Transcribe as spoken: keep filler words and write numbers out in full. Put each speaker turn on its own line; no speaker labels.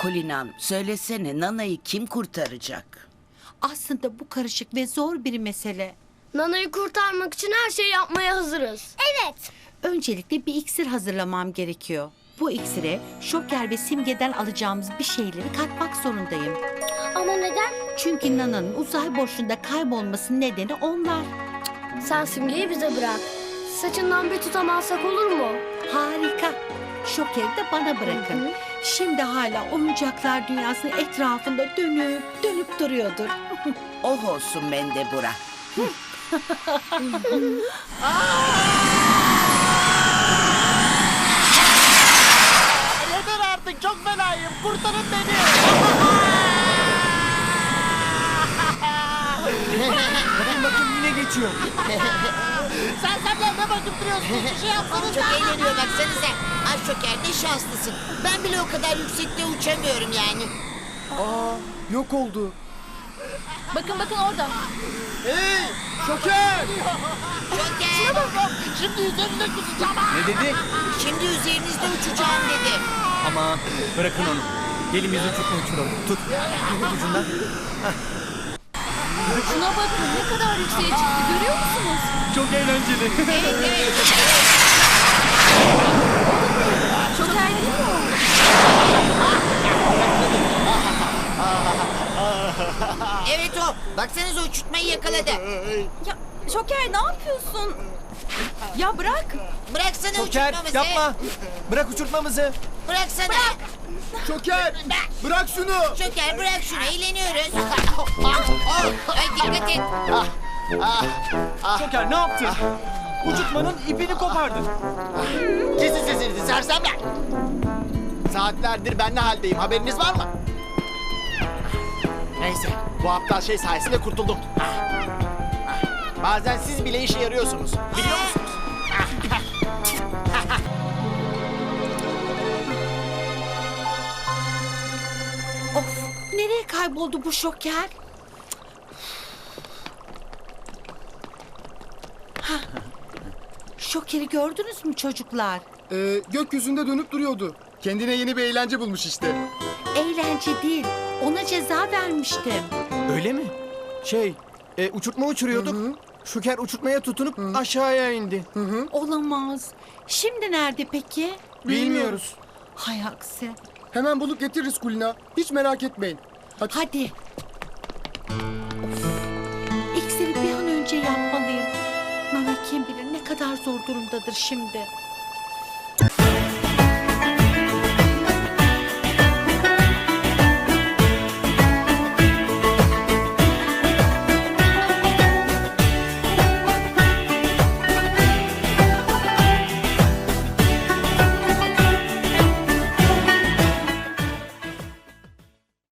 Kulinam, söylesene Nana'yı kim kurtaracak?
Aslında bu karışık ve zor bir mesele.
Nana'yı kurtarmak için her şeyi yapmaya hazırız.
Evet.
Öncelikle bir iksir hazırlamam gerekiyor. Bu iksire Şoker ve Simge'den alacağımız bir şeyleri katmak zorundayım.
Ama neden?
Çünkü Nana'nın uzay boşluğunda kaybolmasının nedeni onlar.
Sen Simge'yi bize bırak. Saçından bir tutamazsak olur mu?
Harika. Şoker'i de bana bırakın. Şimdi hala oyuncaklar dünyasının etrafında dönüp dönüp duruyordur.
Oh olsun Mendebura.
Yeter artık, çok belayım. Kurtarın beni.
Bakın bakın yine geçiyor.
Sen senler ne bakıp duruyorsun? Bir şey yapsanız.
Çok eğleniyor baksanıza. Ay Şoker ne şanslısın. Ben bile o kadar yüksekte uçamıyorum yani.
Aa, yok oldu.
Bakın bakın orada.
Hey! Şoker!
Şoker!
Şimdi üzerinde kusacağım.
Ne dedi?
Şimdi üzerinizde uçacağım dedi.
Aman bırakın onu. Gelin biz uçurtma uçuralım. Tut. Tut ucundan.
Şuna bakın ne kadar yükseğe çıktı görüyor musunuz?
Çok eğlenceli.
Evet evet.
Şoker değil mi o?
Evet o. Baksanıza uçurtmayı yakaladı.
Ya Şoker ne yapıyorsun? Ya bırak.
Bıraksana
Şoker
uçurtmamızı.
yapma. Bırak uçurtmamızı.
Bıraksana.
Şoker! Bırak şunu.
Şoker bırak şunu, eğleniyoruz. Oh, ay dikkat et.
Şoker ne yaptın? Uçurtmanın ipini kopardın.
Kesin sesinizi sersemler. Saatlerdir ben ne haldeyim, haberiniz var mı? Neyse, bu aptal şey sayesinde kurtuldum. Bazen siz bile işe yarıyorsunuz, biliyor musunuz?
Of, nereye kayboldu bu Şoker? Hah. Şoker'i gördünüz mü çocuklar?
Ee, gökyüzünde dönüp duruyordu. Kendine yeni bir eğlence bulmuş işte.
Eğlence değil, ona ceza vermiştim.
Öyle mi? Şey, e, uçurtma uçuruyorduk. Şoker uçurtmaya tutunup aşağıya indi.
Olamaz. Şimdi nerede peki?
Bilmiyoruz.
Hay aksi.
Hemen bulup getiririz Kulina. Hiç merak etmeyin. Hadi.
Hadi. Of. İksiri bir an önce yapmalıyım. Nana kim bilir ne kadar zor durumdadır şimdi.